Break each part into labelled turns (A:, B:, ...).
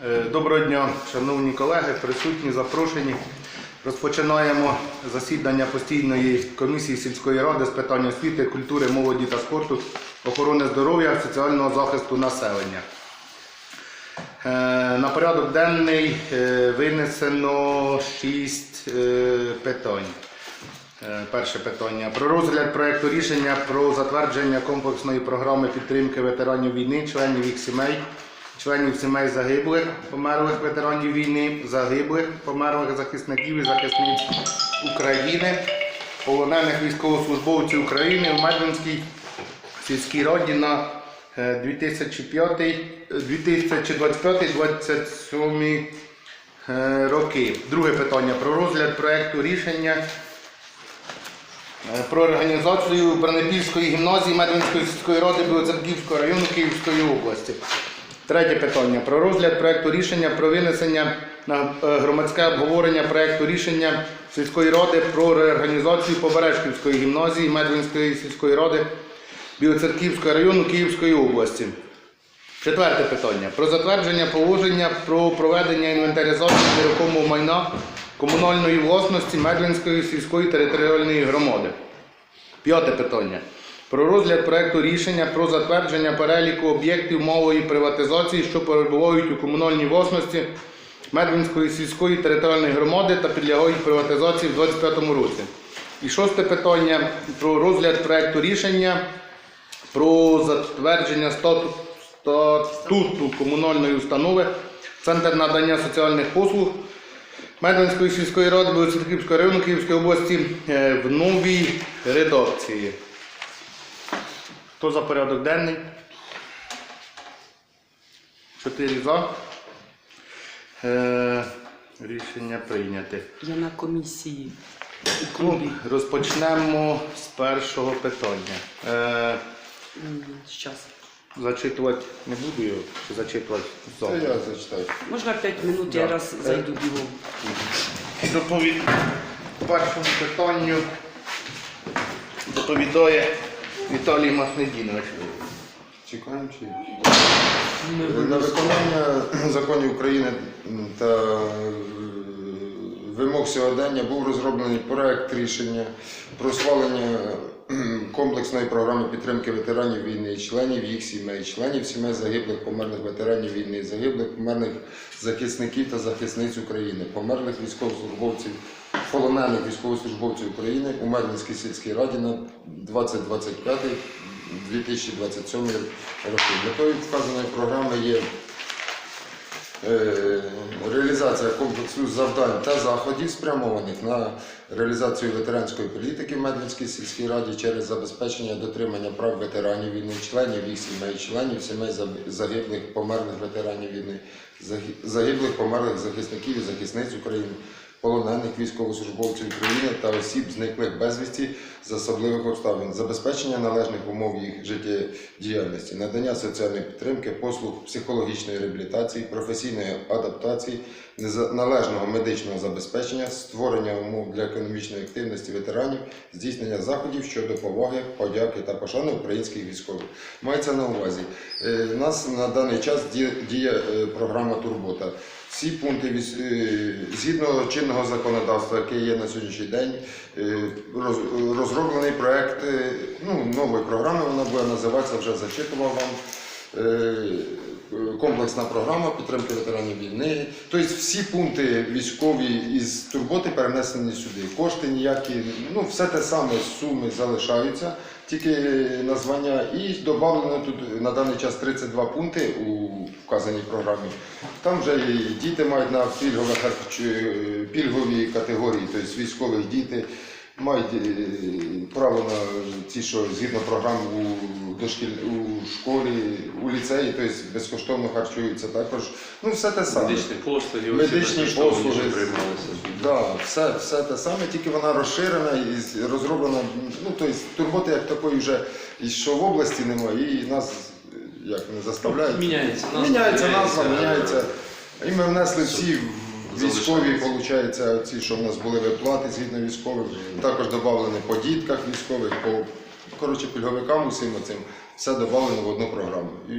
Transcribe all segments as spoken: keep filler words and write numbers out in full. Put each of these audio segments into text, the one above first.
A: Доброго дня, шановні колеги, присутні, запрошені. Розпочинаємо засідання постійної комісії сільської ради з питань освіти, культури, молоді та спорту, охорони здоров'я, соціального захисту населення. На порядок денний винесено шість питань. Перше питання. Про розгляд проєкту рішення про затвердження комплексної програми підтримки ветеранів війни, членів їх сімей, членів сімей загиблих, померлих ветеранів війни, загиблих, померлих захисників і захисниць України, полонених військовослужбовців України в Медвинській сільській раді на дві тисячі двадцять п'ятий - двадцять сьомий роки. Друге питання. Про розгляд проєкту рішення про організацію Бранопільської гімназії Медвинської сільської ради Білоцерківського району Київської області. Третє питання. Про розгляд проєкту рішення про винесення на громадське обговорення проєкту рішення сільської ради про реорганізацію Побережківської гімназії Медвинської сільської ради Білоцерківського району Київської області. Четверте питання. Про затвердження положення про проведення інвентаризації нерухомого майна комунальної власності Медвинської сільської територіальної громади. П'яте питання. Про розгляд проєкту рішення про затвердження переліку об'єктів малої приватизації, що перебувають у комунальній власності Медвинської сільської територіальної громади та підлягають приватизації в двадцять п'ятому році. І шосте питання. Про розгляд проєкту рішення про затвердження статуту, статуту комунальної установи Центр надання соціальних послуг Медвинської сільської ради Білоцерківського району Київської області в новій редакції. Хто за порядок денний? Чотири за. Е, рішення прийняте.
B: Я на комісії.
A: Ну, розпочнемо з першого питання. Е,
B: Щас.
A: зачитувати не буду його, чи зачитувати
C: Це
A: завтра?
C: я зачитаю.
B: Можна п'ять минут,
A: Да.
B: я раз зайду бігом.
A: Доповідь по першому питанню доповідає Віталій Махнедінович.
C: Чекаємо чи? На виконання законів України та вимог сьогодення був розроблений проект рішення про схвалення комплексної програми підтримки ветеранів війни, членів їх сімей, членів сімей загиблих, померлих ветеранів війни, загиблих, померлих захисників та захисниць України, померлих військовослужбовців, полонених військовослужбовців України у Медвинській сільській раді на двадцять двадцять п'ятий - дві тисячі двадцять сьомий роки. Метою вказаної програми є реалізація комплексу завдань та заходів, спрямованих на реалізацію ветеранської політики в Медвинській сільській раді через забезпечення дотримання прав ветеранів війни, членів їх сімей, членів сімей загиблих, померлих ветеранів війни, загиблих, померлих захисників і захисниць України, полонених військовослужбовців України та осіб, зниклих безвісті з особливих обставин, забезпечення належних умов їх життєдіяльності, надання соціальної підтримки, послуг психологічної реабілітації, професійної адаптації, належного медичного забезпечення, створення умов для економічної активності ветеранів, здійснення заходів щодо поваги, подяки та пошани українських військових. Мається на увазі, у нас на даний час діє програма «Турбота». Всі пункти, згідно чинного законодавства, яке є на сьогоднішній день, розроблений проєкт ну, нової програми, вона буде називатися, вже зачитував вам, комплексна програма підтримки ветеранів війни. Тобто всі пункти військові із турботи перенесені сюди. Кошти ніякі, ну все те саме, суми залишаються, тільки названня. І додано тут на даний час тридцять два пункти у вказаній програмі. Там вже і діти мають на пільгові, пільгові категорії, тобто військових діти мають право на ті, що згідно програм у, дошкіль, у школі, у ліцеї, тобто безкоштовно харчуються також. Ну, все те саме.
D: Медичні послуги,
C: Медичні послуги,
D: приймалися.
C: да, все, все те саме, тільки вона розширена і розроблена. Ну, тобто турботи як такої вже і що в області немає, і нас як не заставляють.
D: Міняється назва.
C: Міняється назва, міняється. І ми внесли всі військові, виходить, ці, що в нас були виплати згідно військових, також додавлені по дітках військових, по коротше, пільговикам усім цим, все додавлено в одну програму. І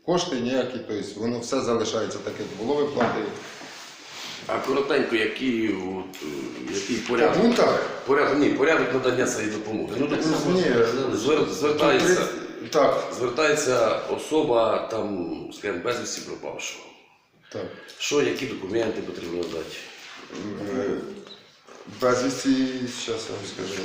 C: кошти ніякі, тобто воно все залишається таке, як було виплати.
D: А коротенько, який, от, е, який порядок?
C: Ну так.
D: Порядок, ні, порядок надання цієї допомоги. Ну, допустимо,
C: Ні,
D: звер, звертається,
C: Тут, так,
D: звертається особа, там, скажімо, безвісті пропавшого.
C: так.
D: Що, які документи потрібно дати?
C: Е, Безвісті, зараз я вам скажу.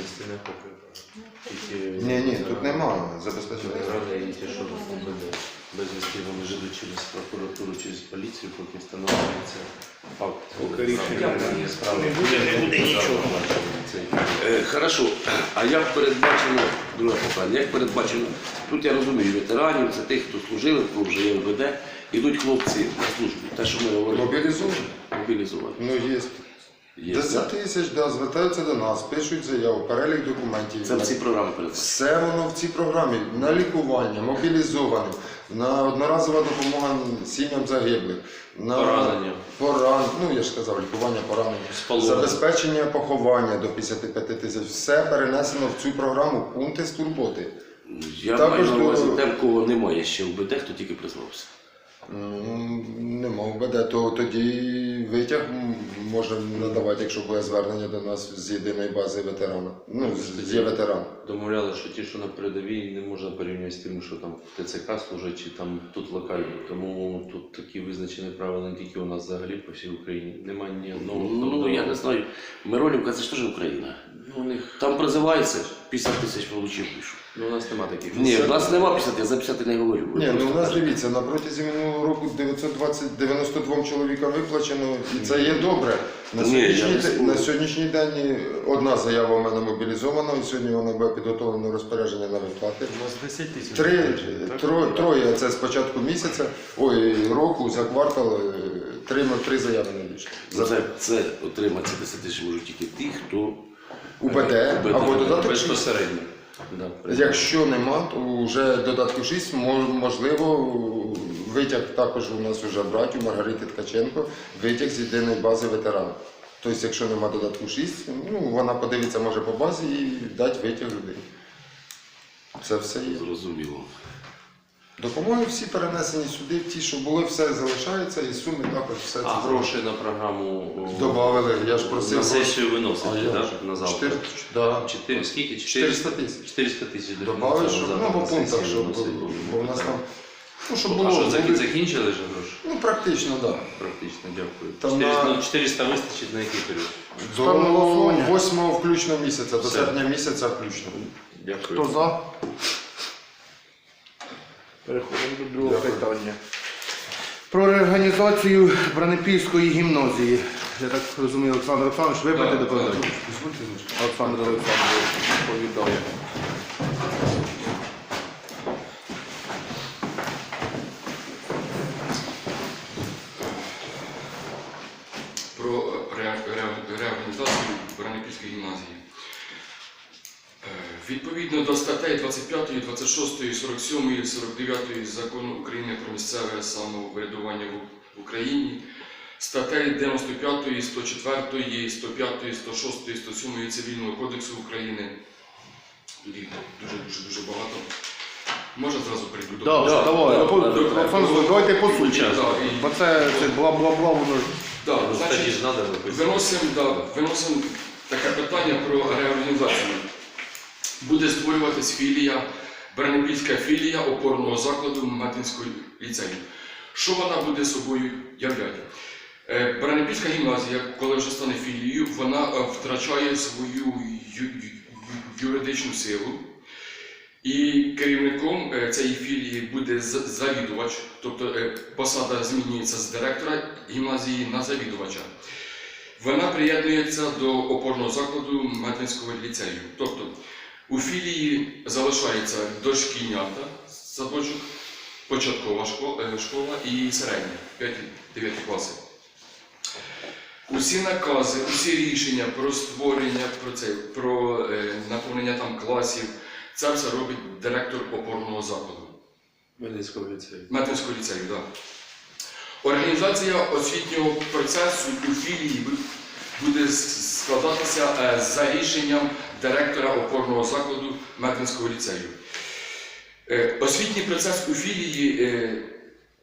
C: Ні, ні, тут немає забезпечення.
E: Правда, ті, що безвісти вони живуть через прокуратуру, через поліцію, поки встановлюється факт. Рішення справи.
A: Не буде нічого.
D: Е, хорошо, а як передбачено, друге питання, як передбачено, тут я розумію, ветеранів, це тих, хто служили, хто вже є МВД, ідуть хлопці на службу, те, що ми говорили.
C: Мобілізовані?
D: Мобілізовані.
C: Ну, є.
D: Є.
C: десять тисяч, да, звертаються до нас, пишуть заяву, перелік документів.
D: Це в ці програми передбачено.
C: Все воно в цій програмі. На лікування, мобілізованим, на одноразова допомога сім'ям загиблих, на
E: Поранення.
C: поран... ну я ж сказав, лікування поранення,
E: Спалування.
C: забезпечення поховання до п'ятдесят п'ять тисяч. Все перенесено в цю програму, пункти з турботи.
D: Я
C: Також
D: маю на увазі
C: до-
D: тем, кого немає ще МВД, хто тільки призвався.
C: М, Нема ВБД, то тоді витяг м, можемо надавати, якщо буде звернення до нас з єдиної бази ветерана. Ну, з- є ветеран.
E: Домовляли, що ті, що на передовій, не можна порівнювати з тим, що там в ТЦК служать чи там тут локально. Тому тут такі визначені правила не тільки у нас взагалі по всій Україні. Немає ні одного. хто
D: Ну,
E: вдома.
D: я не знаю, Миронівка, це ж теж Україна.
E: Ну, у них
D: Там призивається, п'ятдесят тисяч получив, пішов.
E: ну, у нас немає таких.
D: Ні, в нас нема п'ятдесят, я за п'ятдесят не говорю. Ви
C: Ні, ну
D: просто
C: у нас
D: кажете.
C: дивіться, на протязі минулого року дев'ятсот двадцять дев'яносто два чоловіка виплачено, і це є добре. На
D: Ні, я
C: сьогоднішній,
D: не
C: де-
D: спорю.
C: на сьогоднішній день одна заява у мене мобілізована, і сьогодні вона буде підготовлено розпорядження на виплати.
F: У нас десять тисяч.
C: Три, тро, троє, це з початку місяця, ой, року, за квартал, е, три, три заяви надійшли.
D: За це, це отримати ці десять тисяч можуть тільки ті, хто
C: УБД
D: УБД.
C: або додаток шість.
E: Безпосередньо. Да,
C: Якщо нема, то вже додатку шість, мо- можливо, витяг також у нас вже брать у Маргарити Ткаченко, витяг з єдиної бази ветерана. Тобто, якщо нема додатку шість, ну, вона подивиться може по базі і дать витяг людині. Це все є.
D: зрозуміло.
C: Допомоги всі перенесені сюди, ті, що були, все залишається, і суми також все
E: А
C: це
E: гроші на програму о,
C: добавили. Я ж просив
E: на
C: гроші.
E: сесію виносити,
C: А я
E: так?
C: ж.
E: На завтра.
C: Чотири- да.
E: Чотири, скільки?
C: чотириста тисяч.
E: чотириста тисяч
C: Добавили, щоб
E: завтра
C: ну, по
E: на
C: пунктах,
E: сесію
C: щоб
E: виносити.
C: бо в нас там. Ну, щоб
E: А
C: було.
E: що,
C: були-
E: закі- закінчили вже гроші?
C: Ну, практично, так. Да.
E: Практично, дякую.
C: Там
E: чотириста,
C: на-
E: ну, чотириста вистачить на який період?
A: Ставимо на голосування.
C: До восьмого включно місяця, до
E: Все.
C: серпня місяця включно.
E: Дякую.
A: Хто за? Переходимо до другого
C: Дякую.
A: питання. Про реорганізацію Бранепільської гімназії. Я так розумію, Олександр Олександрович, ви будете доповідати? Олександр Олександрович доповідає.
G: Про ре- ре- реорганізацію Бранепільської гімназії. Е, Відповідно до статей двадцять п'ятої, двадцять шостої, сорок сьомої, сорок дев'ятої Закону України про місцеве самоврядування в Україні, статей дев'яносто п'ятої, сто четвертої, сто п'ятої, сто шостої, сто сьомої Цивільного кодексу України. Тут їх дуже-дуже дуже багато. Можна зразу перейду до
A: Так,
G: кожного?
A: давай,
G: Да,
A: Олександр
G: да,
A: Олександрович, давайте по суті.
G: да, і-
A: Бо це, це бла-бла-бла, воно ж.
G: да,
E: Ну,
G: значить,
E: тоді ж треба виписати.
G: Виносимо, да, виносимо таке питання про реорганізацію. Буде створюватись філія, Бранепільська філія опорного закладу Метинського ліцею. Що вона буде собою являти? Е, Бранепільська гімназія, коли вже стане філією, вона е, втрачає свою ю- ю- юридичну силу. І керівником е, цієї філії буде з- завідувач, тобто е, посада змінюється з директора гімназії на завідувача. Вона приєднується до опорного закладу Метинського ліцею. Тобто у філії залишається дошкільнята, садочок, початкова школа, е, школа і середня, п'ять-дев'ять класи. Усі накази, усі рішення про створення, про, це, про е, наповнення там класів, це все робить директор опорного закладу.
E: Хмельницького ліцею.
G: Метинського ліцею, так. Організація освітнього процесу у філії бу- буде с- складатися е, за рішенням директора опорного закладу Метинського ліцею. Е, Освітній процес у філії е,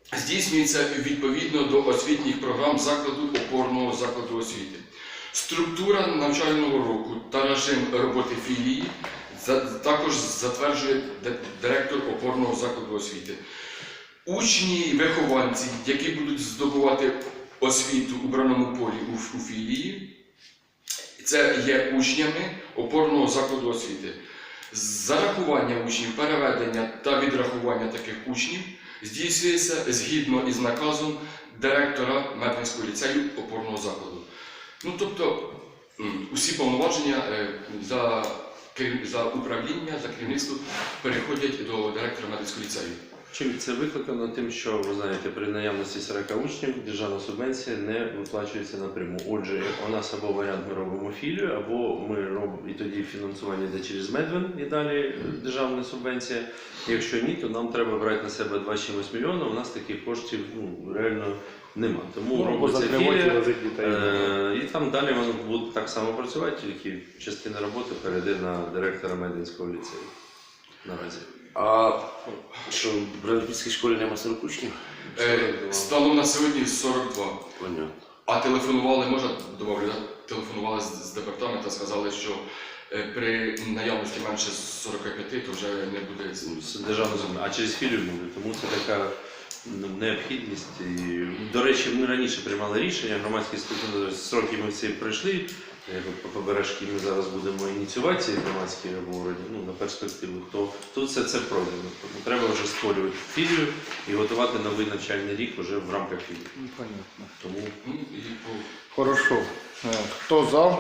G: здійснюється відповідно до освітніх програм закладу опорного закладу освіти. Структура навчального року та режим роботи філії за- також затверджує д- директор опорного закладу освіти. Учні і вихованці, які будуть здобувати освіту у браному полі у, ф- у філії, це є учнями опорного закладу освіти. Зарахування учнів, переведення та відрахування таких учнів здійснюється згідно із наказом директора Медвинського ліцею опорного закладу. Ну, тобто, м, усі повноваження е, за, керів- за управління, за керівництво переходять до директора Медвинського ліцею.
E: Чим це викликано? Тим, що ви знаєте, при наявності сорок учнів державна субвенція не виплачується напряму. Отже, у нас або варіант ми робимо філію, або ми робимо і тоді фінансування йде через Медвин і далі державна субвенція. Якщо ні, то нам треба брати на себе два цілих сім мільйона. У нас таких коштів ну, реально нема. Тому
A: Ну, або
E: робиться
A: закривати
E: філія,
A: лежить дітей.
E: е, і там далі воно буде так само працювати, тільки частина роботи перейде на директора Медвинського ліцею. Наразі.
D: А що, в Бранківській школі нема сорок учнів?
G: Е, станом на сьогодні сорок два.
D: Понятно.
G: А телефонували, можна добавлю, да? Телефонували з, з департаменту, сказали, що е, при наявності менше сорок п'ять, то вже не буде.
E: З державної землі, а через філію буде. Тому це така ну, необхідність. І, до речі, ми раніше приймали рішення, громадські слухання, сроки ми всі пройшли. Як по побережки ми зараз будемо ініціювати ці громадські обговорення ну, на перспективу. То тут все це пройдено. Тому треба вже створювати філію і готувати новий навчальний рік вже в рамках філії.
A: Ну, понятно.
E: Тому
G: Ну, і по...
A: Хорошо. Е, Хто за?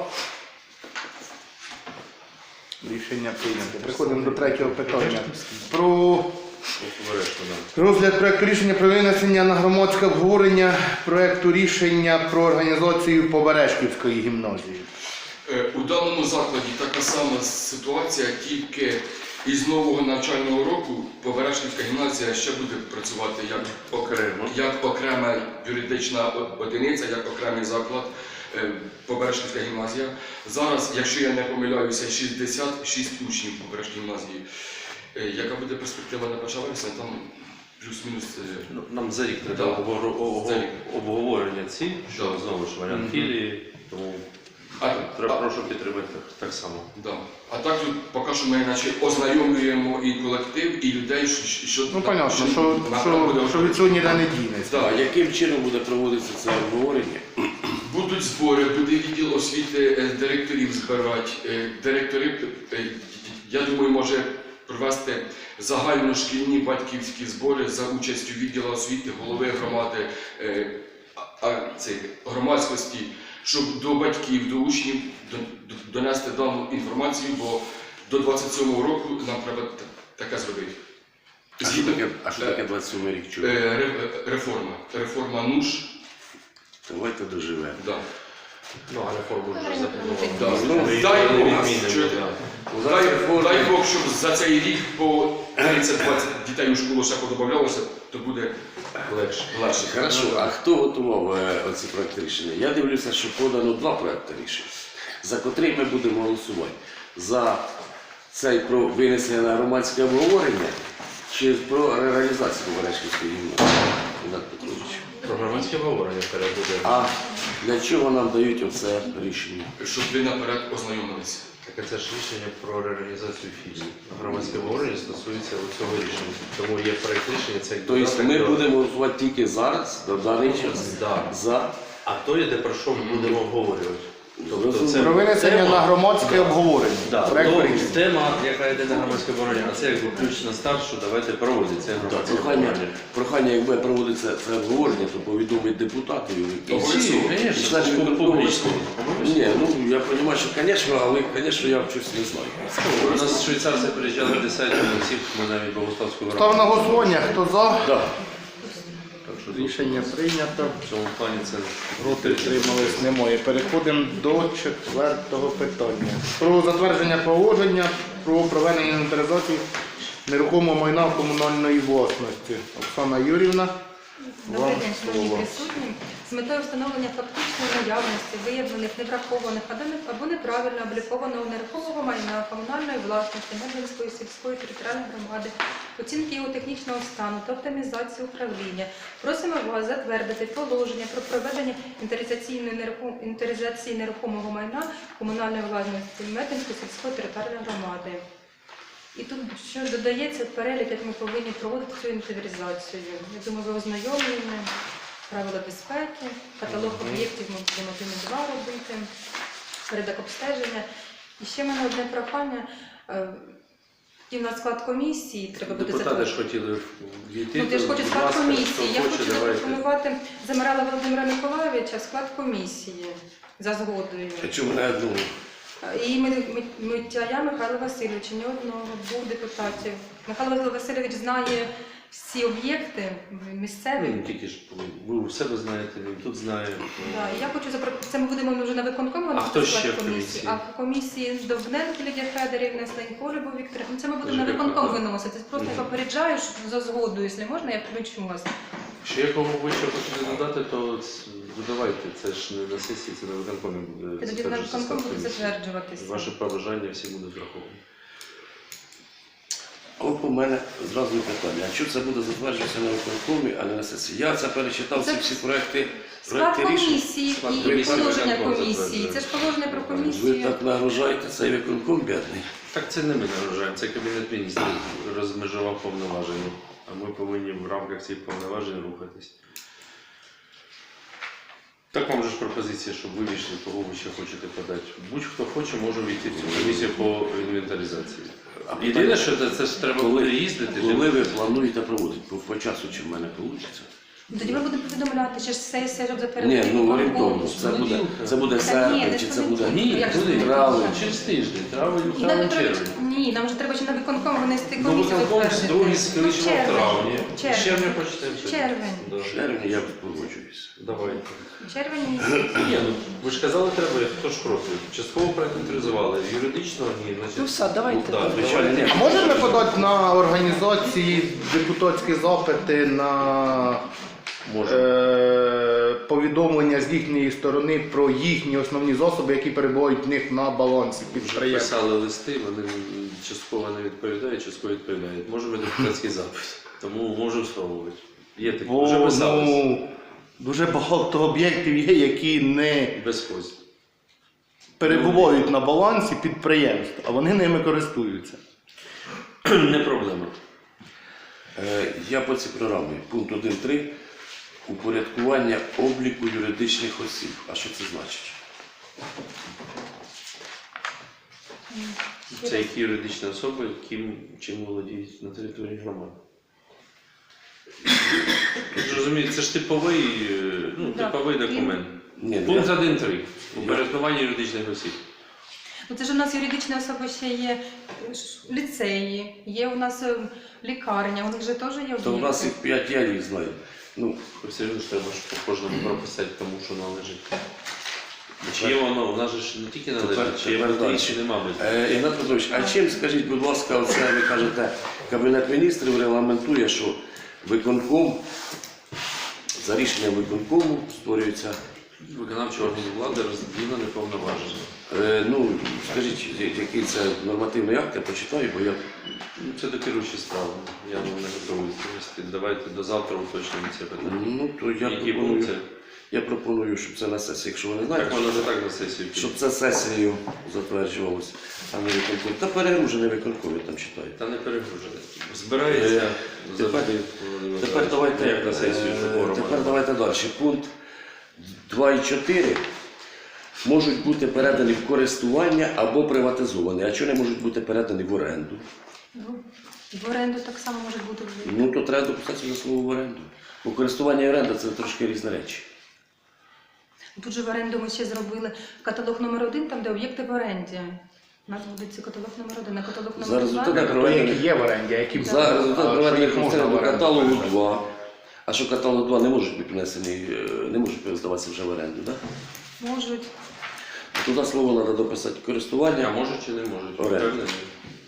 A: Рішення прийнято. Переходимо до третього питання. Про
E: побережку нам.
A: розгляд проекту рішення про винесення на громадське обговорення проекту рішення про організацію Побережківської гімназії.
G: Е, У даному закладі така сама ситуація, тільки із нового навчального року Побережківська гімназія ще буде працювати як окремо, як окрема юридична одиниця, як окремий заклад. е, Побережківська гімназія. Зараз, якщо я не помиляюся, шістдесят шість учнів Побережкій гімназії. Е, Яка буде перспектива на перше вересня, там плюс-мінус. е,
E: Ну, нам за рік треба
G: Да.
E: обгор- ого-
G: За рік.
E: обговорення ці, що
G: Да.
E: знову ж варіант філії. Тому
G: А,
E: треба
G: а,
E: прошу підтримати так, так само.
G: да. А так тут поки що ми наче ознайомлюємо і колектив, і людей, що, що,
A: Ну, понятно, що,
G: на-
A: що,
G: буде-
A: що від цього ніде не дінеться.
G: Да,
D: А яким чином буде проводитися це обговорення?
G: Будуть збори, буде відділ освіти е, директорів збирати. Е, Директори, е, я думаю, може провести загальношкільні батьківські збори за участю відділу освіти, голови громади, е, а- а, цей, громадськості, щоб до батьків, до учнів до- до- донести дану інформацію, бо до двадцять сьомого року нам треба т- таке зробити.
D: А що таке, а що таке двадцять сьомий рік? Чого?
G: Е, ре- Реформа. Реформа НУШ.
D: Давайте доживемо.
G: Да.
E: Ну, а реформу вже запланували.
G: Да.
D: Ну,
E: Ми її
G: дай
E: не
G: Бог,
E: відмінимо,
G: чуєте?
E: да.
G: Дай, дай Бог, щоб за цей рік по тридцять-двадцять дітей у школу ще подобавлялося, то буде
E: Легше.
G: легше.
D: Хорошо, а хто готував е, оці проекти рішення? Я дивлюся, що подано два проекти рішення, за котрий ми будемо голосувати. За цей про винесення на громадське обговорення чи про реалізацію Побережківської гімназії? Ігнат Петрович.
E: Про громадське обговорення вперед буде.
D: А для чого нам дають оце рішення?
G: Щоб ви наперед ознайомилися.
E: Так це ж рішення про реорганізацію філії. Громадське обговорення стосується цього рішення. Тому є проєкт рішення, це як
D: Тобто
E: додаток
D: ми
E: до-
D: будемо голосувати тільки зараз, до даний час,
E: Да.
D: за
E: А то йде про що ми будемо обговорювати. Тобто це
A: Про винесення
E: тема-
A: на громадське обговорення.
E: Да,
A: Проект
E: то
A: рішення.
E: тема, яка йде на громадське обговорення, а це якби ключ на старт, що давайте проводити це
D: Так,
E: громадське
D: прохання,
E: обговорення.
D: прохання, якби проводиться це обговорення, то повідомить депутатів. які-
G: Обов'язково.
D: І
E: Звісно,
D: значить,
E: це
D: ми
E: публічно.
D: Ні, ну я розумію, що, звісно, але, звісно, я щось не знаю.
E: У нас швейцарці приїжджали десятки, ми всіх, ми навіть Богославську
A: Став на голосування. Хто за?
D: Да.
E: Так що тут
A: Рішення прийнято.
E: в цьому плані це
A: Проти утримались немає. Переходимо до четвертого питання. Про затвердження положення про проведення інвентаризації нерухомого майна комунальної власності. Оксана Юрівна,
F: Добрий
A: вам
F: день, шановні
A: слово.
F: присутні. з метою встановлення фактичної наявності виявлених неврахованих або- або неправильно облікованого нерухомого майна комунальної власності Медвинської сільської територіальної громади, оцінки його технічного стану та оптимізації управління. Просимо вас затвердити положення про проведення інвентаризаційної нерухом- інвентаризації нерухомого майна комунальної власності Медвинської сільської територіальної громади. І тут що додається перелік, як ми повинні проводити цю інвентаризацію. Я думаю, ви ознайомлені, правила безпеки, каталог об'єктів ми будемо один і два робити, порядок обстеження. І ще в мене одне прохання. е, Такий в нас склад комісії, треба буде
E: Депутати ж
F: затвердити.
E: хотіли війти.
F: Ну, ти ж
E: то,
F: хочеш
E: будь
F: склад
E: ласка,
F: комісії.
E: хто
F: Я
E: хоче,
F: хочу
E: давайте.
F: запропонувати Замирала Володимира Миколайовича в склад комісії за згодою.
D: А чому не одну?
F: І ми- ми- Митяя Михайла Васильовича, ні одного, двох депутатів. Михайло Васильович знає всі об'єкти місцеві.
E: Ну, тільки ж ви у себе знаєте, він тут знає.
F: Да, і я хочу запропонувати, це ми будемо вже на виконкому,
E: А
F: на
E: хто
F: склад
E: ще в комісії?
F: А в комісії Довбненко Лідія Федорівна, Сленько Любов Вікторівна. Ну, це ми будемо на
E: Дуже
F: виконком
E: дякую.
F: виносити. Просто я попереджаю, що за згоду, якщо можна, я включу вас.
E: Ще якому ви ще хочете додати, то ц- додавайте. Це ж не на сесії, це на виконкомі буде.
F: І тоді на
E: затверджуватися
F: виконком буде
E: комісія.
F: затверджуватися.
E: Ваші побажання всі будуть враховані.
D: От у мене зразу питання. А що це буде затверджуватися на виконкомі, а не на сесії? Я це перечитав,
F: Це
D: ці всі проекти,
F: Склад
D: проекти рішень.
F: комісії
E: Склад
F: і
E: комісії
F: положення
E: виконком
F: комісії.
E: затверджує.
F: Це ж положення про
D: Ви
F: комісію.
D: так нагружаєте цей виконком бідний.
E: Так це не ми нагружаємо, це Кабінет міністрів розмежував повноваження, а ми повинні в рамках цих повноважень рухатись. Так вам же ж пропозиція, щоб ви вийшли, кого ви ще хочете подати. Будь-хто хоче, може війти в цю комісію по інвентаризації.
D: А
E: Єдине,
D: питання,
E: що це, це ж треба
D: коли-
E: буде їздити.
D: коли ви плануєте проводити? По, по часу чи в мене вийде?
F: Тоді ми будемо повідомляти, що ж сесія, щоб затвердити.
D: Ні, ну
F: виконком.
D: орієнтовно. Це буде, це буде
F: Та ні,
D: серпень,
F: не
D: чи це
F: понеділок.
D: буде
E: Ні,
F: Як же
E: куди?
F: це
D: Травень.
E: Через тиждень, травень,
F: І нам
E: травень,
F: треба,
E: червень.
F: ні, нам вже треба ще на виконком винести
E: Ну,
F: комісію
E: виконком
F: затвердити.
E: другий
F: Ну,
E: скоріше в
F: червень.
E: травні. З
F: Червень.
E: червня почнемо.
F: Червень.
E: Да.
D: В червні я погоджуюсь.
E: Давайте.
F: Червень місяць.
E: Ні, ну ви ж казали, треба, хто ж проти. Частково проінвентаризували, юридично ні, значить.
B: Ну все, давайте.
E: Ну, да,
D: Звичайно, ні.
A: А можемо ми подати на організації депутатські запити на
E: Може.
A: е, повідомлення з їхньої сторони про їхні основні засоби, які перебувають в них на балансі
E: Вже
A: підприємства?
E: писали листи, вони частково не відповідають, частково відповідають. Може депутатський запит, тому можу спробувати. Є такі, вже
A: Бо
E: писали.
A: ну, дуже багато об'єктів є, які не
E: Без хвост.
A: перебувають на балансі підприємств, а вони ними користуються.
E: Не проблема.
D: Е, Я по цій програмі. Пункт один точка три. Упорядкування обліку юридичних осіб. А що це значить?
E: Це які юридичні особи, ким, чим володіють на території громади. Розумієте, це ж типовий, е, ну,
F: Да.
E: типовий документ.
D: Ні,
E: Пункт
D: я-
E: один точка три. Упорядкування юридичних осіб.
F: Ну, це ж у нас юридичні особи ще є е, ш- ліцеї, є у нас е, лікарня, у них же теж є
D: То в нас
F: об'єкти.
D: їх п'ять, я їх знаю. Ну,
E: Все одно ж треба ж по кожному прописати тому, що належить. Чи є воно, у нас же ж не тільки належить, чи є
D: тепер
E: внутрі,
D: далі.
E: чи нема внутрі.
D: Е, Ігнат Петрович, а чим, скажіть, будь ласка, оце ви кажете, Кабінет міністрів регламентує, що виконком, за рішенням виконкому створюється,
E: Виконавчий орган влади розділено неповноважено.
D: е, ну, скажіть, я- який це нормативний акт, я почитаю, бо я
E: Ну, це до керуючої справи. Я вам не готовий відповісти. Давайте до завтра уточнимо це питання.
D: Ну, то я
E: Які
D: пропоную,
E: пункти?
D: я пропоную, щоб це на сесії, якщо ви не знаєте,
E: Так можна не так на сесію
D: щоб
E: піти.
D: це сесією затверджувалося, а не виконком. Та перегружений виконком, я там читаю.
E: Та не перегружене. Збирається
D: Е,
E: завжди.
D: тепер-
E: Володимир
D: Тепер
E: Михайлович,
D: давайте,
E: як на сесію,
D: е,
E: що форум.
D: тепер давайте далі. Пункт два і чотири можуть бути передані в користування або приватизовані. А чого не можуть бути передані в оренду?
F: Ну, в оренду так само може бути.
D: Ну, то треба дописати сюди слово в оренду. Бо користування і оренда – це трошки різні речі.
F: Тут же в оренду ми ще зробили каталог номер один, там де об'єкти в оренді. У нас буде цей каталог номер один, а каталог
D: За
F: номер два.
D: результатами
A: То, які є в оренді, а які б-
D: За результат
A: а,
D: проведення
A: що їх можна
D: до
A: в оренду
D: каталогу
A: передати?
D: два. А що каталог два не можуть бути внесені, е, не можуть здаватися вже в оренду, так?
F: Можуть.
D: Туди слово треба дописати
E: А
D: користування.
E: може чи не можуть?
D: Оренда.
E: Впевнений?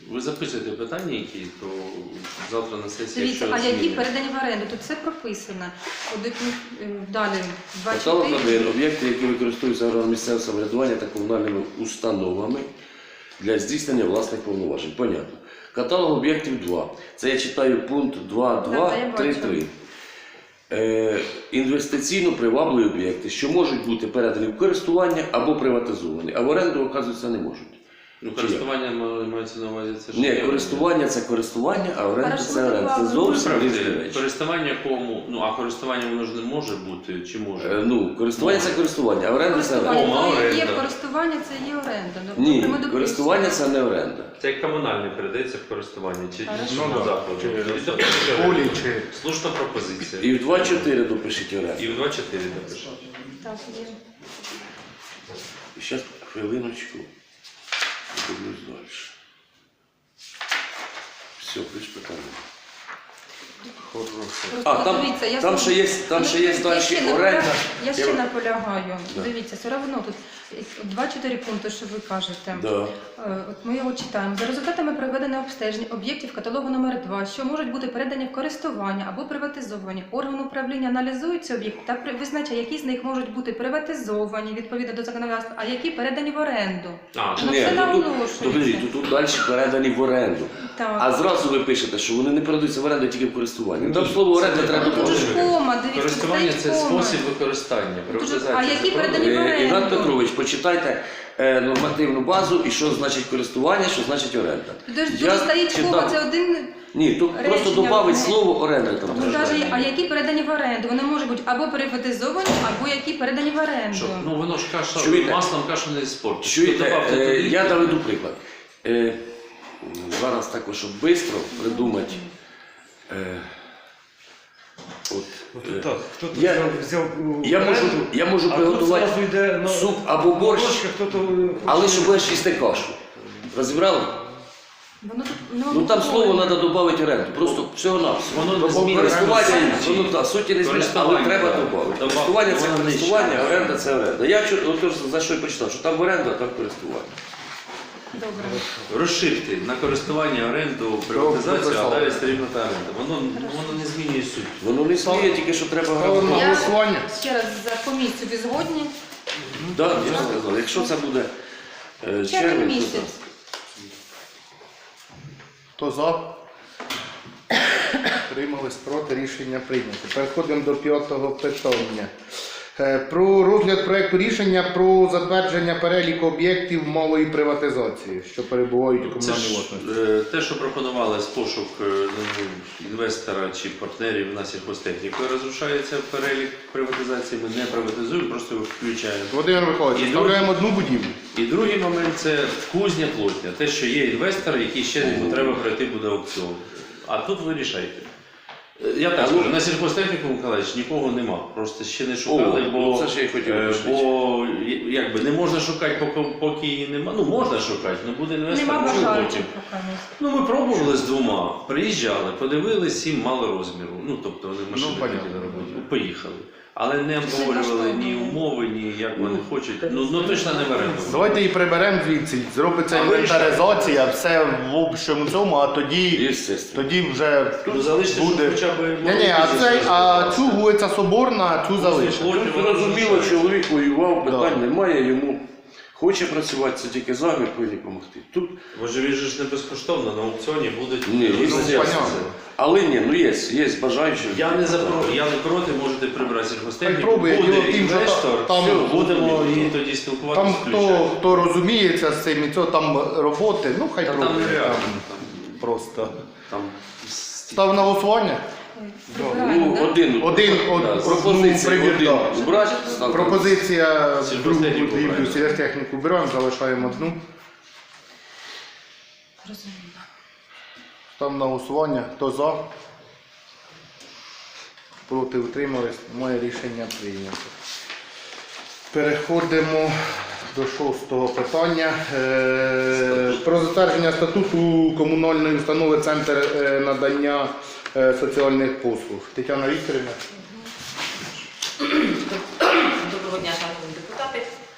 E: Ви записуєте питання, які, то завтра на сесії,
F: Дивіться,
E: якщо
F: а які
E: зміни.
F: передані в оренду? Тут все прописано. От, е, далі,
D: Каталог
F: двадцять чотири.
D: один. Об'єкти, які використовуються органами місцевого самоврядування та комунальними установами для здійснення власних повноважень. Понятно. Каталог об'єктів два. Це я читаю пункт два
F: Так,
D: два
F: це я
D: три
F: бачу.
D: три. Е, інвестиційно привабливі об'єкти, що можуть бути передані в користування або приватизовані, а в оренду, оказується, не можуть.
E: Ну, користування ма- мається на увазі, це ж
D: Ні,
E: не-
D: користування це користування, а оренда
F: Хорошо,
D: це оренда. Це
F: ви
D: зовсім
E: Правда,
D: різні речі.
E: користування кому? Ну, а користування воно ж не може бути, чи може?
D: Е, Ну, користування це користування, а оренда це оренда.
F: Користування
E: О,
F: це є
E: оренда.
F: користування, це є оренда. Ну,
D: Ні,
F: ми дописуємо.
D: користування це не оренда.
E: Це як комунальне передається в користування, чи
F: Хорошо.
E: чи
A: Ну, да.
E: закладу.
A: Чи-
E: І то- чи-
A: Полі чи...
E: Слушна пропозиція.
D: І в два чотири допишіть оренду.
E: І в два чотири напишемо.
F: Так, є.
D: І зараз хвилиночку. Дивлюсь далі. Все, більш питання.
F: Просто
D: А, там,
F: дивіться, я
D: там
F: знову-
D: ще є, там
F: Ну,
D: ще є
F: я
D: далі
F: ще
D: оренда.
F: наполягаю- Я
D: Я-
F: ще наполягаю.
D: Да.
F: Дивіться, все одно тут два-чотири пункти, що ви кажете.
D: Да.
F: Е, От ми його читаємо. За результатами проведеного обстеження об'єктів каталогу номер два, що можуть бути передані в користування або приватизовані, орган управління аналізує ці об'єкти та при- визначає, які з них можуть бути приватизовані відповідно до законодавства, а які передані в оренду.
E: А,
F: Ну,
D: Ні,
F: це
D: тут,
F: наголошується.
D: тут, тут, тут, тут далі передані в оренду.
F: Так.
D: А зразу ви пишете, що вони не передаються в оренду тільки в користування. Ну, там слово оренда
E: це
D: треба
F: Ну, тут же ж
D: допомогти.
F: кома, дивіться,
E: користування
F: стоїть
E: це
F: кома.
E: спосіб використання.
F: Дуже-
E: Приватизація
F: а які
E: заборонена.
F: передані в оренду?
D: Е, Іван Петрович, почитайте е, нормативну базу і що значить користування, що значить оренда.
F: Дуже,
D: Я
F: дуже стоїть
D: читав-
F: кома, це один.
D: Ні, тут
F: речення
D: просто додавить
F: одне.
D: слово оренда там.
F: Ну,
D: треба.
F: навіть, а які передані в оренду? Вони можуть бути або приватизовані, або які передані в оренду.
E: Що? Ну воно ж каша,
D: Чуєте?
E: маслом кашу не спортить.
D: Чуєте,
E: Добавте
D: е,
E: туди.
D: я доведу приклад. Е, зараз також, щоб швидко придумати. Е, от, е,
H: Так, хто тут
D: я-
H: взяв, взяв у
D: я можу,
H: оренду,
D: я можу
H: а
D: приготувати
H: тут зразу йде на
D: суп або борщ,
H: борщ, а хто-то
D: але щоб будеш їсти кашу. Розібрали?
F: Воно тут, ну,
D: Ну там
F: ну,
D: слово треба додати оренду. Просто всього на все.
E: Воно не змінює
D: Користування,
E: суті.
D: воно так, суті не змінює, але
E: Користування,
D: треба
E: так.
D: додати.
E: Добав-
D: Користування це
E: воно нижче.
D: користування, а оренда це оренда. Я чу- отож, за що і почитав, що там оренда, а там користування.
F: Добре.
E: Розширити на користування, оренду, приватизацію, а
A: прописали.
E: далі стрімно та оренда. Воно, воно не змінює суть.
D: Воно не сміє, тільки що треба
A: Ставимо
D: грамотно.
A: на
F: Я
A: голосування.
F: ще раз за комісію ви згодні?
D: Так, я ж сказав, якщо це буде е,
F: Червень
D: червень, то
F: місяць.
D: так.
A: Хто за? Приймались проти, рішення прийнято. Переходимо до п'ятого питання. Е, Про розгляд проекту рішення про затвердження переліку об'єктів малої приватизації, що перебувають у
E: Це
A: комунальній
E: ж
A: власності.
E: е, те, що пропонували з пошук е, ну, інвестора чи партнерів на сільхозтехніку, розрушається перелік приватизації. Ми не приватизуємо, просто його включаємо.
A: Володимир Михайлович,
E: І
A: вставляємо одну будівлю.
E: І другий момент це кузня плотня. Те, що є інвестор, який ще йому треба пройти буде аукціон. А тут ви рішайте. Е, Я так скажу, на сільхозтехніку, Миколаївич, нікого нема. Просто ще не шукали,
D: О,
E: бо,
D: ну це ж я й хотів
E: е,
D: уточнити.
E: бо я- якби не можна шукати, поки, поки її нема. Ну можна шукати, але буде інвестор.
F: Нема
E: може
F: бажаючих
E: потім.
F: поки.
E: Ну ми пробували з двома, приїжджали, подивились, їм мало розміру. Ну тобто вони машини
A: Ну, понятно.
E: хотіли робити, поїхали. Але не обговорювали ні умови, ні як вони хочуть. Ну, ну точно не в оренду.
A: Давайте її приберемо звідси, зробиться
E: А ви
A: інвентаризація, все в общому цьому, а тоді,
D: Єстественно.
A: тоді вже
E: Ну залиште,
A: буде.
E: щоб хоча б...
A: Ні, ні, а, цей, а цю вулиця Соборна, а цю залишимо.
D: Тут зрозуміло, чоловік воював, питань
A: Да.
D: немає, йому хоче працювати, це тільки замір, повинні допомогти. Тут,
E: Може він же ж не безкоштовно, на аукціоні будуть...
D: ні, є
A: Ну,
D: зв'язки.
A: понятно.
D: Але ні, ну є, є бажаючі.
E: Я не за про- я не проти, можете прибрати
A: Хай
E: сільхозтехніку.
A: пробує,
E: Буде
A: діло в тім, що
E: інвестор,
A: там-
E: все, будемо
D: зрозуміло.
E: і тоді спілкуватися.
A: Там хто, хто розуміється з цим і цього там роботи, ну хай
E: Та там
A: пробує.
E: нереально.
A: Там
E: Там,
A: просто.
E: там...
A: Став на голосування.
F: Прибираємо,
D: Ну,
F: да?
D: один,
A: Один,
D: да,
A: од-
D: пропозиція,
A: ну, прибір,
D: один.
A: да.
D: Убрати, став-
A: Пропозиція другу
E: Сільхозтехніку
A: будівлю,
E: брати.
A: сільхозтехніку беремо, залишаємо одну.
F: Розумію.
A: Став на голосування. Хто за? Проти утримались. Моє рішення прийнято. Переходимо до шостого питання. Е, Про затвердження статуту комунальної установи Центр е, надання е, соціальних послуг. Тетяна Вікторівна.
I: Доброго дня, шановні депутати.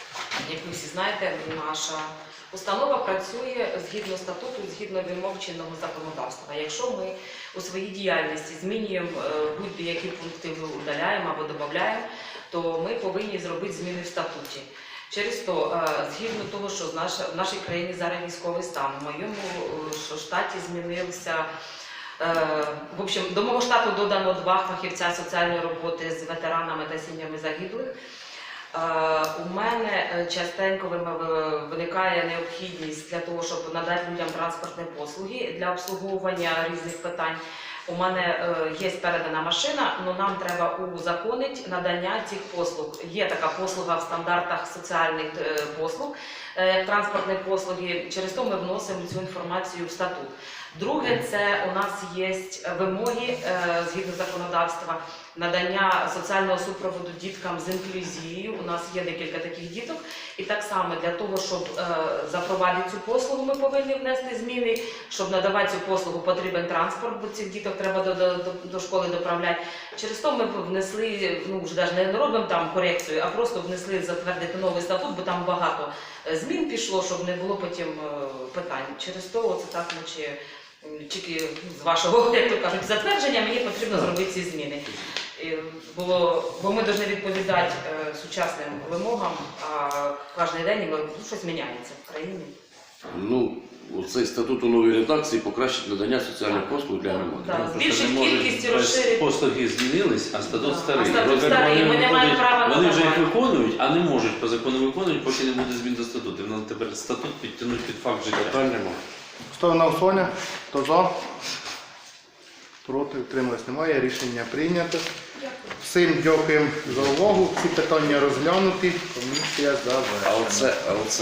H: як ви всі знаєте, наша установа працює згідно статуту, згідно вимог чинного законодавства. Якщо ми у своїй діяльності змінюємо е, будь-які пункти, ми удаляємо або додаємо, то ми повинні зробити зміни в статуті. Через то, е, згідно того, що в наш- в нашій країні зараз військовий стан, в моєму е, штаті змінився. Е, В общем, до мого штату додано два фахівця соціальної роботи з ветеранами та сім'ями загиблих. Е, У мене е, частенько вим- виникає необхідність для того, щоб надати людям транспортні послуги для обслуговування різних питань. У мене е, є передана машина, але нам треба узаконити надання цих послуг. Є така послуга в стандартах соціальних е, послуг, е, як транспортні послуги. Через то ми вносимо цю інформацію в статут. Друге, це у нас є вимоги е, згідно законодавства надання соціального супроводу діткам з інклюзією. У нас є декілька таких діток. І так само для того, щоб е, запровадити цю послугу, ми повинні внести зміни. Щоб надавати цю послугу, потрібен транспорт, бо цих діток треба до, до, до школи доправляти. Через то ми внесли, ну вже навіть не робимо там корекцію, а просто внесли затвердити новий статут, бо там багато змін пішло, щоб не було потім е, питань. Через то оце так, наче тільки з вашого, як то кажуть, затвердження мені потрібно зробити ці зміни. І Бо, бо ми повинні відповідати е, сучасним вимогам, а кожен день ми- щось міняється в країні.
D: Ну, цей статут у новій редакції покращить надання соціальних послуг для громади.
H: Так,
E: Просто
H: збільшить
E: не можуть,
H: кількість і
E: без-
H: розширить.
E: Послуги змінились, а статут
H: Так.
E: старий.
H: А статут
E: Робимо,
H: старий,
E: вони
H: ми не маємо
E: виконують-
H: права
E: Вони вже їх
H: надавати.
E: виконують, а не можуть по закону виконують, поки не буде змін до статуту. Нам тепер статут підтягнуть під факт життя.
D: Питань нема.
A: Ставлю на голосування. Хто за? Проти, утримались немає. Рішення прийнято. Всім дякуємо за увагу. Всі питання розглянуті. Комісія
D: А
A: завершена.
D: оце, а оце